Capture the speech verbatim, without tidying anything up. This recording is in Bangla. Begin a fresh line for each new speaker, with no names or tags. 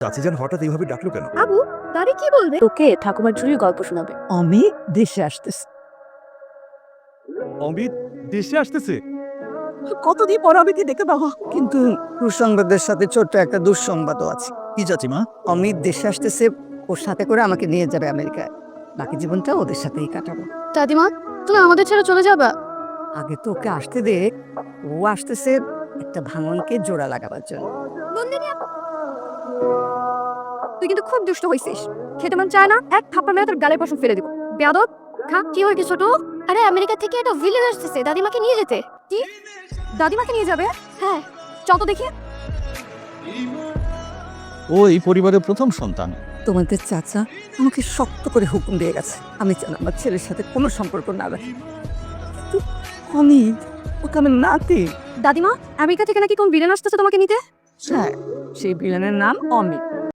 চাচি যান হঠাৎ এইভাবে ডাকলো কেন?
আবু দাদি কি বলবে? তোকে ঠাকুমার ঝুড়ির গল্প শোনাবে।
আমি দেশে আসতেছি।
অমিত দেশে আসতেছে?
কতদিন পর আমি কি দেখে পাবো, কিন্তু সুসংবাদের সাথে ছোট্ট একটা দুঃসংবাদও আছে।
কি চাচিমা?
অমিত দেশে আসতেছে, ওর সাথে করে আমাকে নিয়ে যাবে আমেরিকায়। বাকি জীবনটা ওদের সাথেই কাটাবো।
দাদিমা তুমি আমাদের ছেড়ে চলে যাবা?
আগে তো ওকে আসতে দে, ও আসতেছে একটা ভাঙনকে জোড়া লাগাবার জন্য।
তুই কিন্তু খুব দুষ্ট হইছিস। খেতে মন চায় না, এক থাপ্পড় মেরে তোর গালের পশম ফেলে দিব। বেয়াদব খা। কি হয়েছে ছোট? আরে আমেরিকা থেকে একটা ভিলেন আসতেছে দাদিমাকে নিয়ে যেতে। কি দাদিমাকে নিয়ে যাবে? হ্যাঁ চল তো দেখি।
ও এই পরিবারের প্রথম সন্তান।
তোমাদের চাচা আমাকে শক্ত করে হুকুম দিয়ে গেছে, আমি যেন আমার ছেলের সাথে কোনো সম্পর্ক না রাখি। কিন্তু অমিত ওকে আমার নাতি।
দাদিমা আমেরিকা থেকে নাকি কোন ভিলেন আসতেছে তোমাকে নিতে?
হ্যাঁ, সেই ভিলেনের নাম অমিত।